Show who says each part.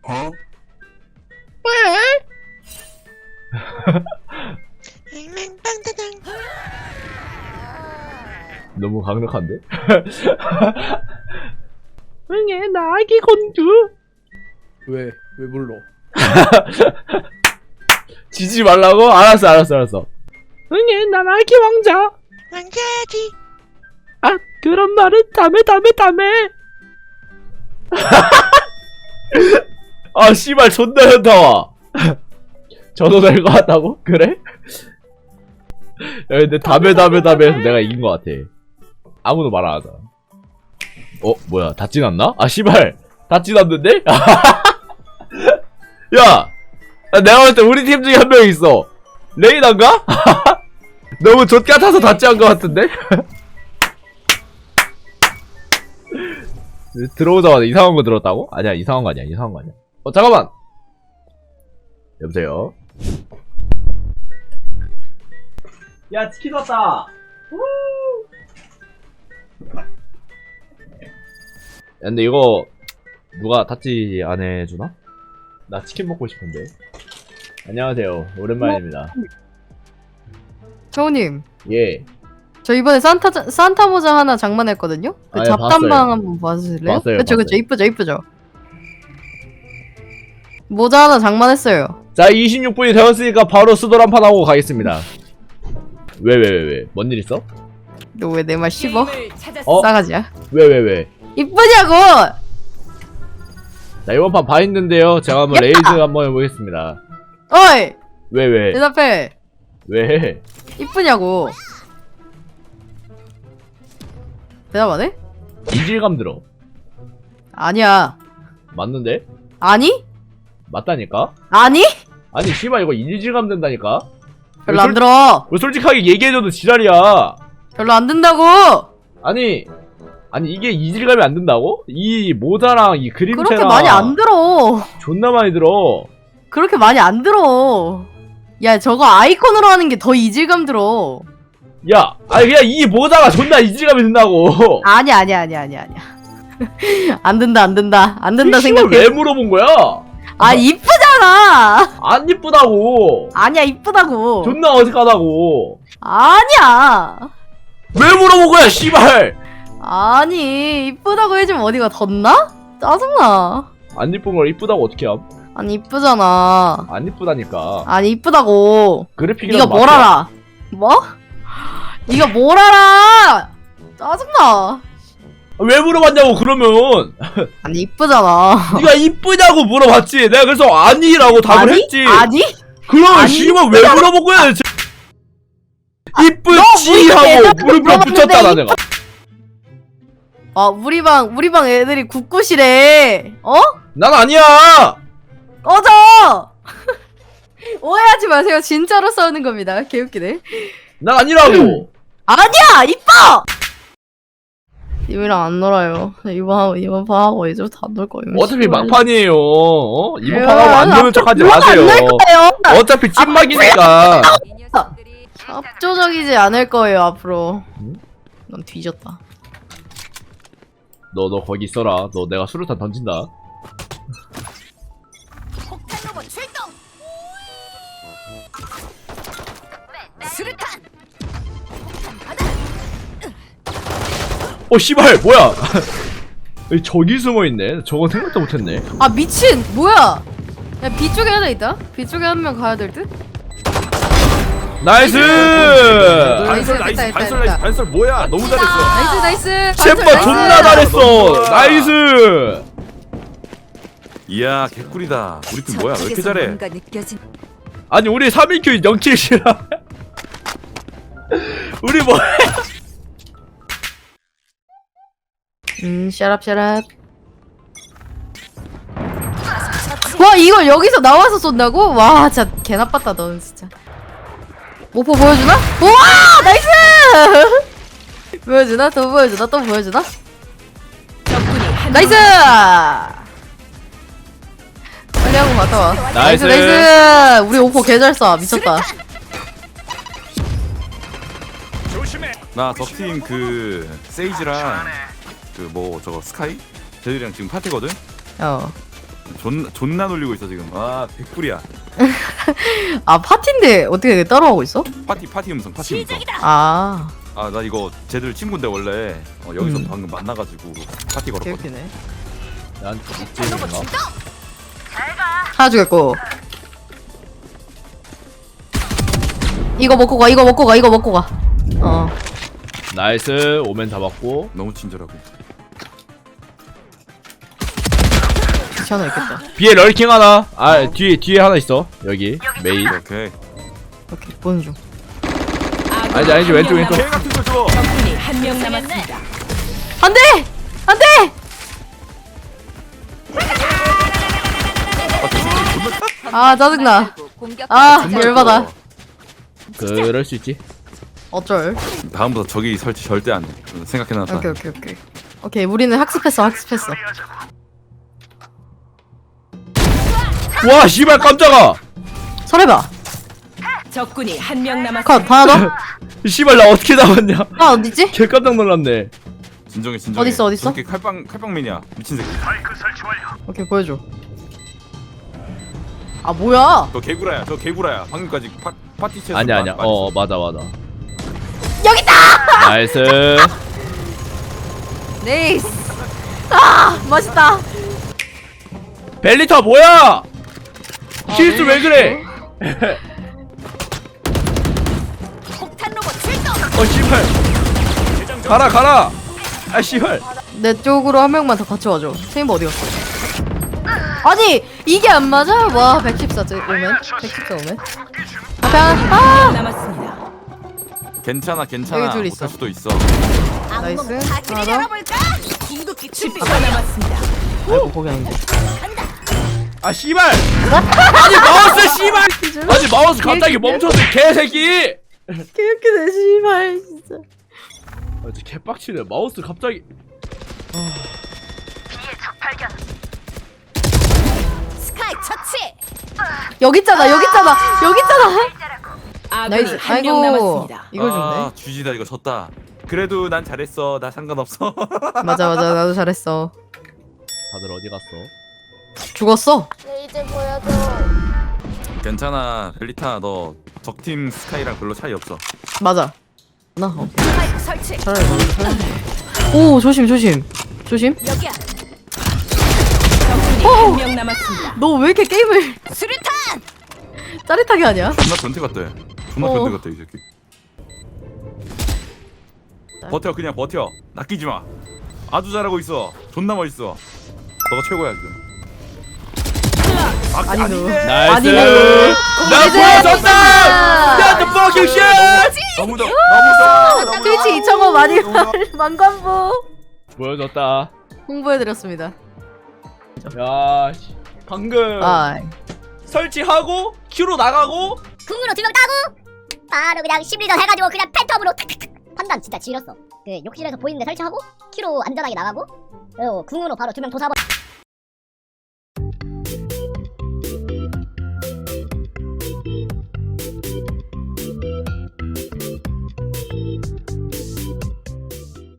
Speaker 1: 어?
Speaker 2: 너무 강력한데? 응애 나 아기 공주.
Speaker 3: 왜 불러?
Speaker 2: 지지 말라고? 알았어. 응애 난 아기 왕자.
Speaker 1: 왕자지.
Speaker 2: 아 그런 말은 다음에. 아 씨발 존나 현타와. 저도 될 것 같다고? 그래? 야 근데 다음에 해서 내가 이긴 것 같아. 아무도 말 안 하자. 뭐야 다 찌났나? 아 씨발 다 찌났는데? 야 내가 볼 때 우리 팀 중에 한 명 있어. 레이나인가? 너무 좆같아서 다 찌한 것 같은데? 들어오자마자 이상한 거 들었다고? 아니야 이상한 거 아니야. 잠깐만. 여보세요? 야 치킨 왔다. 야, 근데 이거 누가 타치 안 해주나? 나 치킨 먹고 싶은데. 안녕하세요 오랜만입니다.
Speaker 4: 정우님,
Speaker 2: 예
Speaker 4: 저 이번에 산타 모자 하나 장만했거든요? 그
Speaker 2: 아, 예,
Speaker 4: 잡담방
Speaker 2: 봤어요.
Speaker 4: 한번 봐주실래요?
Speaker 2: 봤어요,
Speaker 4: 그쵸,
Speaker 2: 봤어요.
Speaker 4: 이쁘죠? 모자 하나 장만했어요.
Speaker 2: 자 26분이 되었으니까 바로 수돌 한판 하고 가겠습니다. 왜? 뭔 일 있어?
Speaker 4: 너 왜 내 말 씹어?
Speaker 2: 어?
Speaker 4: 싸가지야.
Speaker 2: 왜?
Speaker 4: 이쁘냐고!
Speaker 2: 자 이번 판 바인드인데요. 제가 한번 레이즈 한번 해보겠습니다.
Speaker 4: 어이!
Speaker 2: 왜?
Speaker 4: 대답해.
Speaker 2: 왜?
Speaker 4: 이쁘냐고. 대답 안 해?
Speaker 2: 이질감 들어.
Speaker 4: 아니야.
Speaker 2: 맞는데?
Speaker 4: 아니?
Speaker 2: 맞다니까?
Speaker 4: 아니?
Speaker 2: 아니 씨발 이거 이질감 된다니까?
Speaker 4: 별로 안 들어.
Speaker 2: 왜 솔직하게 얘기해줘도 지랄이야.
Speaker 4: 별로 안 든다고!
Speaker 2: 아니 이게 이질감이 안 든다고? 이 모자랑 이 그림체랑
Speaker 4: 그렇게 많이 안 들어.
Speaker 2: 존나 많이 들어.
Speaker 4: 그렇게 많이 안 들어. 야, 저거 아이콘으로 하는 게 더 이질감 들어.
Speaker 2: 야 아니 그냥 이 모자가 존나 이질감이 든다고.
Speaker 4: 아니야. 안 된다
Speaker 2: 이걸
Speaker 4: 생각해.
Speaker 2: 왜 물어본 거야?
Speaker 4: 아, 이쁘잖아.
Speaker 2: 안 이쁘다고.
Speaker 4: 아니야, 이쁘다고.
Speaker 2: 존나 어색하다고.
Speaker 4: 아니야.
Speaker 2: 왜 물어본 거야 씨발.
Speaker 4: 아니, 이쁘다고 해주면 어디가 덧나? 짜증나.
Speaker 2: 안 이쁜 걸 이쁘다고 어떻게 함?
Speaker 4: 아니, 이쁘잖아.
Speaker 2: 안 이쁘다니까.
Speaker 4: 아니, 이쁘다고.
Speaker 2: 그래픽이랑
Speaker 4: 네가 뭘 알아? 뭐? 네가 뭘 알아? 짜증나.
Speaker 2: 왜 물어봤냐고 그러면.
Speaker 4: 아니, 이쁘잖아.
Speaker 2: 네가 이쁘냐고 물어봤지. 내가 그래서 아니라고 답을
Speaker 4: 아니?
Speaker 2: 했지.
Speaker 4: 아니?
Speaker 2: 그럼
Speaker 4: 아니,
Speaker 2: 씨발 왜 물어본 거야? 이쁘지
Speaker 4: 우리가
Speaker 2: 하고
Speaker 4: 대답해서
Speaker 2: 물음표
Speaker 4: 물어봤는데
Speaker 2: 붙였잖아 내가.
Speaker 4: 아, 우리 방 애들이 굳굿이래. 어?
Speaker 2: 난 아니야.
Speaker 4: 꺼져! 오해하지 마세요. 진짜로 싸우는 겁니다. 개웃기네.
Speaker 2: 난 아니라고.
Speaker 4: 아니야! 이뻐! 님이랑 안 놀아요. 이번 판하고 이제 다 놀 거예요.
Speaker 2: 어차피 막판이에요. 이번
Speaker 4: 에휴,
Speaker 2: 판하고 안 되는 척하지 마세요.
Speaker 4: 안놀 거예요.
Speaker 2: 어차피 찐막이니까.
Speaker 4: 압도적이지 않을 거예요, 앞으로.
Speaker 2: 응?
Speaker 4: 넌 뒤졌다.
Speaker 2: 너 거기 있어라. 너 내가 수류탄 던진다. 씨발 뭐야? 저기 숨어있네. 저건 생각도 못했네.
Speaker 4: 아, 미친! 뭐야! 야, B 쪽에 하나 있다? B 쪽에 한 명 가야 될 듯?
Speaker 2: 나이스!
Speaker 4: 됐다.
Speaker 1: 반설 뭐야? 너무 잘했어.
Speaker 4: 나이스!
Speaker 2: 챔버
Speaker 4: 나이스.
Speaker 2: 존나 잘했어. 나이스!
Speaker 1: 이야 개꿀이다. 우리 팀 뭐야? 왜 이렇게 잘해?
Speaker 2: 아니 우리 3인큐 0킬이라. 우리 뭐야?
Speaker 4: 샤랍. 와, 이걸 여기서 나와서 쏜다고? 와, 진짜 개나빴다, 너는 진짜. 모포 보여주나? 우와! 나이스! 보여주나? 또 보여주나? 나이스! 빨리 하고 갔다 와.
Speaker 2: 나이스.
Speaker 4: 나이스! 우리 오포 개잘 쏴. 미쳤다.
Speaker 1: 나 적팀 그 세이지랑 그 뭐 저거 스카이 쟤들이랑 지금 파티거든.
Speaker 4: 어.
Speaker 1: 존나 놀리고 있어 지금. 아 100불이야.
Speaker 4: 아 파티인데 어떻게 따라하고 있어?
Speaker 1: 파티 음성 파티 음성.
Speaker 4: 아
Speaker 1: 아 나 이거 쟤들 친구인데 원래 여기서
Speaker 4: 음.
Speaker 1: 방금 만나가지고 파티 걸었거든.
Speaker 4: 개웃기네.
Speaker 2: 나한테 닉제인가?
Speaker 4: 하나 주겠고. 이거 먹고 가. 이거 먹고 가. 이거 먹고 가.
Speaker 2: 나이스. 오멘 잡았고.
Speaker 1: 너무 친절하고.
Speaker 4: 귀찮아 있겠다.
Speaker 2: B에 럴킹 하나. 아 뒤에 하나 있어. 여기 메인.
Speaker 1: 오케이.
Speaker 4: 오케이 보는 중.
Speaker 2: 아니지 왼쪽.
Speaker 1: 개 같은 거 줘.
Speaker 5: 적군이 한 명 남았습니다.
Speaker 4: 안돼 안돼. 아 짜증나. 아 열받아.
Speaker 2: 그럴 수 있지.
Speaker 4: 어쩔.
Speaker 1: 다음부터 저기 설치 절대 안 해. 생각해놨다.
Speaker 4: 오케이. 오케이 우리는 학습했어.
Speaker 2: 와 씨발 깜짝아.
Speaker 4: 설해봐.
Speaker 5: 적군이 한 명
Speaker 4: 컷
Speaker 5: 남았습니다.
Speaker 4: 하나 더.
Speaker 2: 씨발 나 어떻게 나왔냐.
Speaker 4: 하나 어디지?
Speaker 2: 개 깜짝 놀랐네.
Speaker 1: 진정해.
Speaker 4: 어딨어?
Speaker 1: 저렇게 칼빵맨이야. 미친 새끼.
Speaker 4: 오케이 보여줘. 아 뭐야?
Speaker 1: 저 개구라야. 방금까지 파티 채.
Speaker 2: 아니야. 맞아.
Speaker 4: 여기 있다.
Speaker 2: 나이스.
Speaker 4: 네이스. 아 맛있다.
Speaker 2: 벨리타 뭐야? 실수 왜 그래?
Speaker 5: 폭탄 로봇 출동.
Speaker 2: 씨발. 가라. 아 씨발.
Speaker 4: 내 쪽으로 한 명만 더 같이 와줘. 세인버 어디 갔어? 아니 이게 안 맞아? 와 114 오면 114 오면. 앞에 하나.
Speaker 5: 남았습니다.
Speaker 1: 괜찮아.
Speaker 4: 여기 둘 있어.
Speaker 1: 못할 수도 있어.
Speaker 4: 나이스. 하나 더.
Speaker 5: 열어볼까? 궁극기 10초 남았습니다.
Speaker 4: 아이고 거기 아닌데.
Speaker 2: 아 씨발. 아니 마우스 씨발. 아니 마우스 갑자기 멈췄어 개새끼.
Speaker 4: 개웃기네 씨발 진짜.
Speaker 2: 아 진짜 개빡치네. 마우스 갑자기.
Speaker 5: 스카이 처치.
Speaker 4: 여기 있잖아.
Speaker 5: 아군이
Speaker 4: 나이스.
Speaker 5: 한 명
Speaker 4: 아이고
Speaker 5: 남았습니다.
Speaker 4: 이걸
Speaker 1: 아,
Speaker 4: 준대.
Speaker 1: 주지다 이거 졌다. 그래도 난 잘했어. 나 상관없어.
Speaker 4: 맞아 나도 잘했어.
Speaker 2: 다들 어디 갔어?
Speaker 4: 죽었어.
Speaker 1: 괜찮아. 벨리타 너 적팀 스카이랑 별로 차이 없어.
Speaker 4: 맞아. 나
Speaker 5: 스파이크 설치.
Speaker 4: 잘해. 오 조심.
Speaker 5: 여기야. 적군이 한 명 남았습니다.
Speaker 4: 너 왜 이렇게 게임을
Speaker 5: 수류탄.
Speaker 4: 짜릿하게 하냐?
Speaker 1: 존나 변태 같대. 존나
Speaker 4: 어.
Speaker 1: 변태 같대 이 새끼. 버텨 그냥 버텨. 낚이지 마. 아주 잘하고 있어. 존나 멋있어. 너가 최고야 지금.
Speaker 4: 아니 너.
Speaker 2: 나이스.
Speaker 4: 아니네.
Speaker 2: 나 보여줬다. Not the fucking shit.
Speaker 1: 너무 더.
Speaker 4: 트위치 2.5 많이 만관부
Speaker 2: 보여줬다.
Speaker 4: 홍보해드렸습니다.
Speaker 2: 야 씨. 방금
Speaker 4: 아
Speaker 2: 설치하고 큐로 나가고
Speaker 6: 궁으로 2명 따고 바로 그냥 심리전 해가지고 그냥 팬텀으로 탁탁탁 판단 진짜 지렸어. 그 욕실에서 보이는데 설치하고 큐로 안전하게 나가고 그리고 궁으로 바로 2명 도사버